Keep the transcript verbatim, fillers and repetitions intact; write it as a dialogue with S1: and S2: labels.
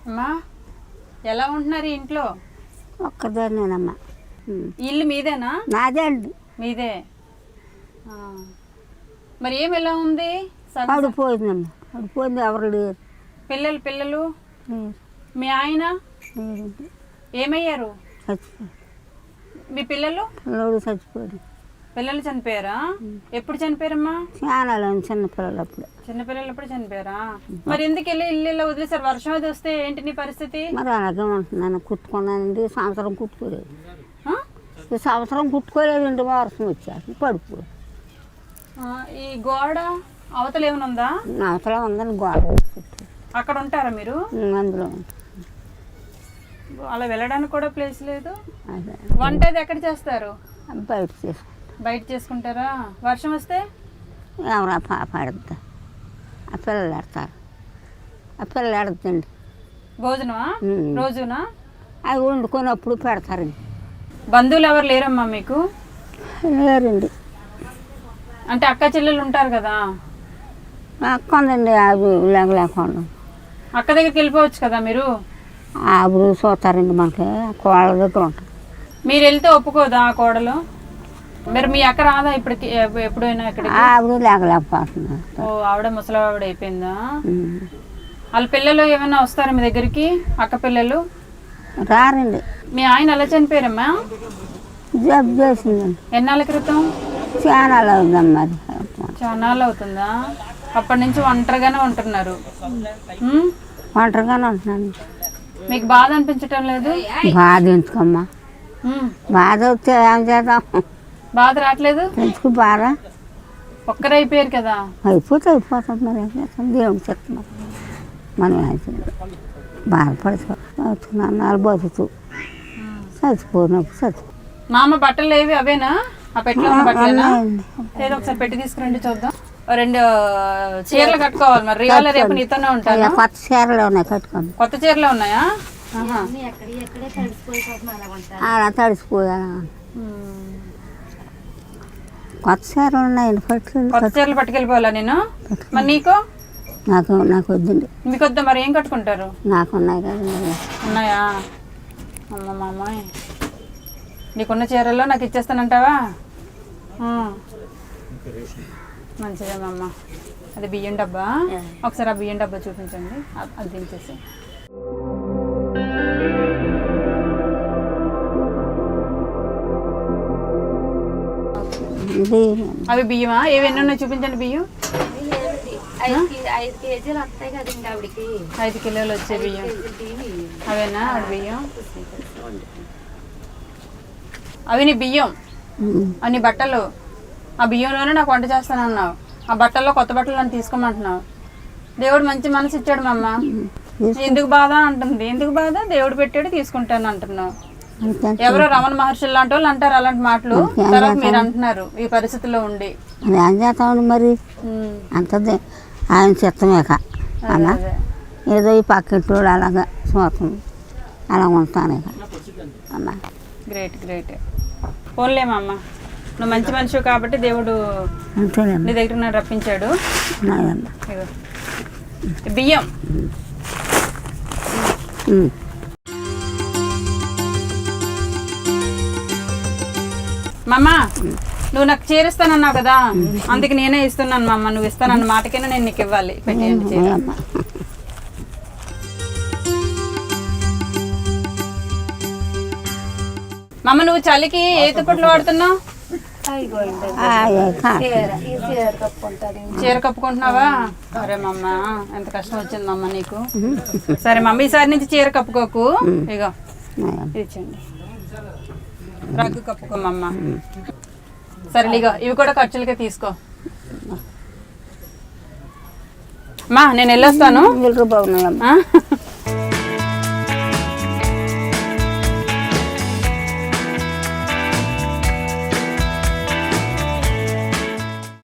S1: అమ్మా ఎలా ఉంటున్నారు ఇంట్లో?
S2: ఒక్కదాన్నేనమ్మా.
S1: ఇల్లు మీదేనా?
S2: నాదే అండి.
S1: మీదే. మరి ఏం ఎలా ఉంది?
S2: పడిపోయిందమ్మా, పడిపోయింది. ఎవరు లేరు.
S1: పిల్లలు పిల్లలు మీ ఆయన ఏమయ్యారు?
S2: చచ్చిపోయారు.
S1: మీ పిల్లలు?
S2: పిల్లలు చచ్చిపోయారు.
S1: పిల్లలు చనిపోయారా? ఎప్పుడు చనిపోయారమ్మా?
S2: చాలా చిన్నపిల్లలు అప్పుడు.
S1: చిన్నపిల్లలు ఎప్పుడు చనిపోయారా? మరి ఎందుకు వెళ్ళి ఇల్లు ఇలా వదిలేసారు? వర్షం అది వస్తే ఏంటి నీ పరిస్థితి?
S2: మరి అలాగే ఉంటున్నాను. కుట్టుకున్నానండి. సంవత్సరం కుట్టుకోలేదు. ఈ సంవత్సరం కుట్టుకోలేదండి. వర్షం వచ్చారు పడిపో.
S1: ఈ గోడ అవతల ఏమైనా ఉందా?
S2: అవతల ఉందని గోడ
S1: అక్కడ ఉంటారా మీరు?
S2: అందులో
S1: అలా వెళ్ళడానికి కూడా ప్లేస్ లేదు. వంట అది ఎక్కడ చేస్తారు?
S2: బయట చేసుకుంటారు.
S1: బయట చేసుకుంటారా? వర్షం వస్తే
S2: ఎవరా పాప ఆడుతా, ఆ పిల్లలు ఆడతారు. ఆ పిల్లలు ఆడుతుందండి.
S1: భోజనమా రోజునా?
S2: అవి వండుకున్నప్పుడు పెడతారండి.
S1: బంధువులు ఎవరు లేరమ్మా మీకు?
S2: లేరండి.
S1: అంటే అక్క చెల్లెలు ఉంటారు కదా?
S2: అక్క ఉందండి. అవి లేక లేకుండా
S1: అక్క దగ్గరికి వెళ్ళిపోవచ్చు కదా మీరు?
S2: ఆవులు చూస్తారండి. మనకి కోళ్ళ దగ్గర ఉంటారు.
S1: మీరు వెళ్తే ఒప్పుకోదా ఆ కోడలు? మరి మీ అక్క రాదా ఇప్పటికి? ఎప్పుడైనా ఇక్కడ
S2: ఆవిడ లేకలేకపోతున్నారు.
S1: ఓ ఆవిడ ముసలి ఆవిడ అయిపోయిందా? వాళ్ళ పిల్లలు ఏమైనా వస్తారా మీ దగ్గరికి? అక్క పిల్లలు
S2: రారండి.
S1: మీ ఆయన ఎలా చనిపోయారమ్మా?
S2: జబ్బు చేసిందండి.
S1: ఎన్నాళ్ళ క్రితం?
S2: చాలా అవుతుందమ్మా.
S1: చాలా అవుతుందా? అప్పటి నుంచి ఒంటరిగానే ఉంటున్నారు.
S2: ఒంటరిగానే ఉంటున్నాను.
S1: మీకు బాధ అనిపించటం లేదు?
S2: బాధ ఎందుకమ్మా? బాధ వస్తే ఏం చేద్దాం?
S1: బాధ రావట్లేదు
S2: ఎందుకు? బాధ
S1: ఒక్కరైపోయారు కదా.
S2: అయిపోతే అయిపోతుంది. మరి ఏం చేస్తాం? దేవుడు చెప్తున్నాం. మనం బాధపడుతున్నాను. బతుకు చచ్చిపోయినప్పుడు చచ్చిపో.
S1: మా అమ్మ బట్టలు ఏవి అవేనా? ఆ పెట్టిలో ఉన్న బట్టలేనా? ఏదో ఒకసారి పెట్టి తీసుకురండి చూద్దాం. రెండు చీరలు కట్టుకోవాలి. మరి రియాల రేపు నీతోనే ఉంటాను.
S2: కొత్త చీరలు ఉన్నాయి కట్టుకోండి.
S1: కొత్త చీరలు ఉన్నాయా?
S2: అలా తడిసిపోయా. కొత్త చీరలు ఉన్నాయండి. పట్టు
S1: కొత్త చీరలు పట్టుకెళ్ళిపోవాలా నేను? మరి నీకు?
S2: నాకు నాకు వద్దండి.
S1: మీకు వద్దా? మరి ఏం కట్టుకుంటారు?
S2: నాకు ఉన్నాయి కదా.
S1: ఉన్నాయా? అమ్మ మా అమ్మాయి నీకున్న చీరల్లో నాకు ఇచ్చేస్తానంటావా? మంచిదేమమ్మ. అది బియ్యం డబ్బా. ఒకసారి ఆ బియ్యం డబ్బా చూపించండి. అది దించేసి. అవి బియ్యమా? ఏవి ఎన్ని ఉన్నాయి చూపించండి. బియ్యం ఐదు కిలోలు వచ్చే బియ్యం అవేనా? ఆవిడ బియ్యం అవి నీ బియ్యం. అన్ని బట్టలు ఆ బియ్యంలోనే నాకు వంట చేస్తానన్నావు. ఆ బట్టల్లో కొత్త బట్టలు నన్ను తీసుకోమంటున్నావు. దేవుడు మంచి మనసు ఇచ్చాడు మా అమ్మ. ఎందుకు బాధ అంటుంది. ఎందుకు బాధ? దేవుడు పెట్టాడు తీసుకుంటాను అంటున్నావు. ఎవరో రమణ మహర్షులు లాంటి వాళ్ళు అంటారు అలాంటి మాటలు. తర్వాత మీరు అంటున్నారు ఈ పరిస్థితిలో ఉండి.
S2: ఏం చేస్తామండి మరి? అంతది ఆయన చిత్తమేక అలా ఏదో ఈ పక్కింటి అలాగా చూస్తాం. అలా ఉంటాను ఇక అమ్మా. Great
S1: great. పోన్లేమా అమ్మ, నువ్వు మంచి మనిషి కాబట్టి దేవుడు నీ దగ్గర నన్ను రప్పించాడు. బియ్యం మమ్మ, నువ్వు నాకు చేరిస్తానన్నావు కదా, అందుకే నేనే ఇస్తున్నాను మమ్మ. నువ్వు ఇస్తానన్న మాటకైనా నేను నీకు ఇవ్వాలి. పెట్టేయండి చీర. మమ్మ, నువ్వు చలికి ఏ దుప్పట్లు వాడుతున్నావు? చీర కప్పుకుంటున్నావా? సరే మమ్మ, ఎంత కష్టం వచ్చింది మమ్మ నీకు. సరే మమ్మ, ఈసారి నుంచి చీర కప్పుకోకు. ఇగో ఇచ్చండి, రగ్గు కప్పుకోమమ్మ. సరే ఇగో ఇవి కూడా ఖర్చులకే తీసుకో. మా నేను వెళ్ళొస్తాను.